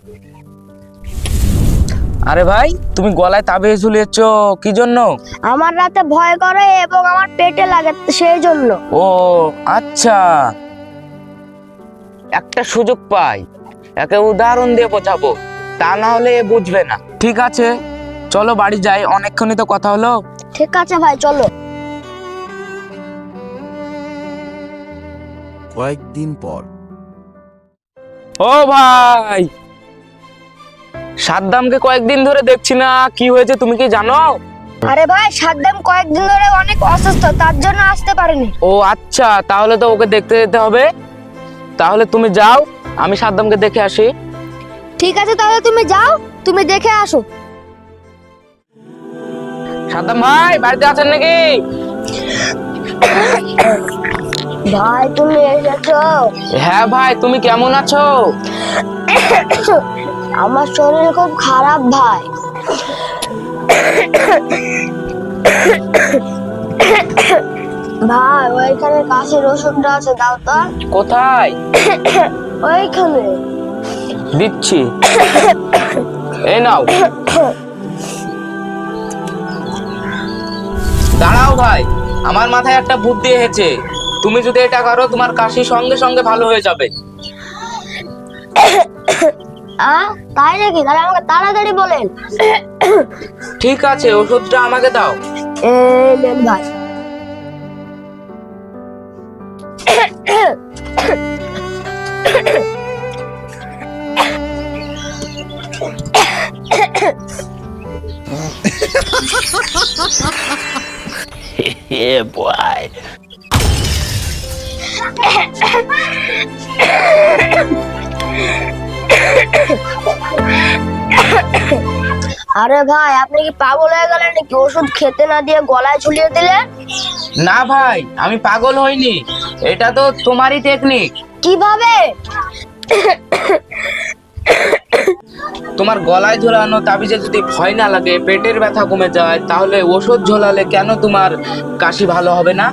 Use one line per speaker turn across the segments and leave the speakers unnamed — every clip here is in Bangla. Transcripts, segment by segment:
আরে ভাই, তুমি গলায় তাবিজ ঝুলিয়েছো কি জন্য?
আমার রাতে ভয় করে এবং আমার পেটে লাগে সেই জন্য।
ও আচ্ছা, একটা সুযোগ পাই, একে উদাহরণ দিয়ে বোঝাবো, তা না হলে এ বুঝবে না। ঠিক আছে, চলো বাড়ি যাই, অনেকক্ষণই তো কথা হলো।
ঠিক আছে ভাই, চলো।
কয়েকদিন পর
ও ভাই, সাদ্দামকে কয়েকদিন ধরে দেখছি না, কি হয়েছে তুমি কি জানো?
আরে ভাই, সাদ্দাম কয়েকদিন ধরে অনেক অসুস্থ, তার জন্য আসতে পারেনি।
ও আচ্ছা, তাহলে তো ওকে দেখতে যেতে হবে। তাহলে তুমি যাও, আমি সাদ্দামকে দেখে আসি।
ঠিক আছে, তাহলে তুমি যাও, তুমি দেখে আসো।
সাদ্দাম ভাই, বাড়িতে আছেন নাকি?
ভাই, তুমি এসেছো?
হ্যাঁ ভাই, তুমি কেমন আছো?
আমার শরীর খুব খারাপ ভাই। ভাই, ওইখানে কাশির ওষুধটা আছে, দাও তো।
কোথায়?
ওইখানে।
দিচ্ছি, এই নাও। দাঁড়াও ভাই, আমার মাথায় একটা বুদ্ধি এসেছে। তুমি যদি এটা করো, তোমার কাশি সঙ্গে সঙ্গে ভালো হয়ে যাবে।
তাই নাকি? তাহলে আমাকে তাড়াতাড়ি বলেন।
ঠিক আছে, ওষুধটা আমাকে দাও।
এই নেন ভাই।
Yeah, boy.
আরে ভাই, আপনি কি পাগল হয়ে গেলেন নাকি? ওষুধ খেতে না দিয়ে গলায় ঝুলিয়ে দিলেন।
না ভাই, আমি পাগল হইনি, এটা তো তোমারই টেকনিক।
কিভাবে?
তোমার গলায় ঝোলানো তাবিজে যদি ভয় না লাগে, পেটের ব্যথা কমে যায়, তাহলে ওষুধ ঝোলালে কেন তোমার কাশি ভালো হবে না?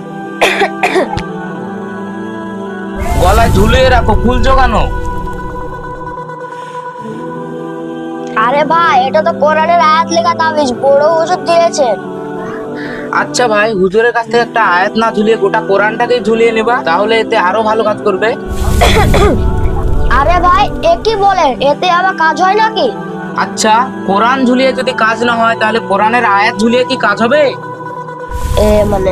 গলায় ঝুলিয়ে রাখো, ফুল জোগানো।
আরে ভাই, এটা তো কোরআনের আয়াত লেখা তাবিজ, বড় ওষুধ দিয়েছেন।
আচ্ছা ভাই, হুজুরের কাছ থেকে একটা আয়াত না ঝুলিয়ে গোটা কোরআনটাকে ঝুলিয়ে নেবা, তাহলে এতে আরো ভালো কাজ করবে।
আরে ভাই, এ কি বলেন? এতে আবার কাজ হয় নাকি?
আচ্ছা, কোরআন ঝুলিয়ে যদি কাজ না হয়, তাহলে কোরআনের আয়াত ঝুলিয়ে কি কাজ হবে?
মানে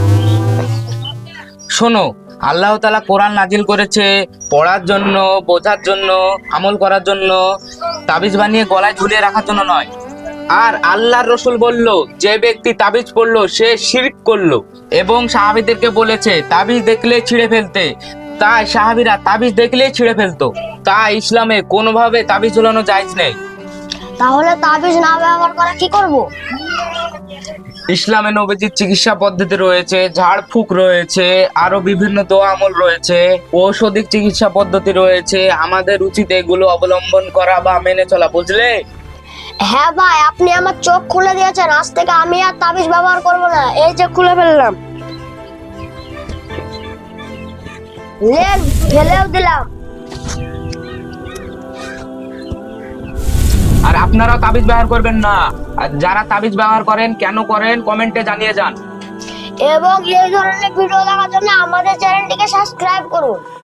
শোনো, আল্লাহ তাআলা কোরআন নাজিল করেছে পড়ার জন্য, বোঝার জন্য, আমল করার জন্য, তাবিজ বানিয়ে গলায় ঝুলিয়ে রাখার জন্য নয়। আর আল্লাহর রসুল বলল, যে ব্যক্তি তাবিজ পড়লো সে শিরক করলো, এবং সাহাবীদেরকে বলেছে তাবিজ দেখলে ছিঁড়ে ফেলতে। তাই সাহাবীরা তাবিজ দেখলেই ছিঁড়ে ফেলতো। তাই ইসলামে কোনোভাবে তাবিজ ঝুলানো জায়েজ নেই।
তাহলে তাবিজ না ব্যবহার করে কি করব?
ইসলামে নবীজির চিকিৎসা পদ্ধতি রয়েছে, ঝাড়ফুঁক রয়েছে, আরো বিভিন্ন দোয়া আমল রয়েছে, ঔষধিক চিকিৎসা পদ্ধতি রয়েছে। আমাদের উচিত এগুলো অবলম্বন করা বা মেনে চলা, বুঝলে?
হ্যাঁ ভাই, আপনি আমার চোখ খুলে দিয়েছেন। আজ থেকে আমি আর তাবিজ ব্যবহার করব না। এই যে খুলে ফেললাম, ফেলেও দিলাম।
আর আপনারাও তাবিজ ব্যবহার করবেন না। আর যারা তাবিজ ব্যবহার করেন, কেন করেন, কমেন্টে জানিয়ে যান।
এবং এই ধরনের ভিডিও দেখার জন্য আমাদের চ্যানেলটিকে সাবস্ক্রাইব করুন।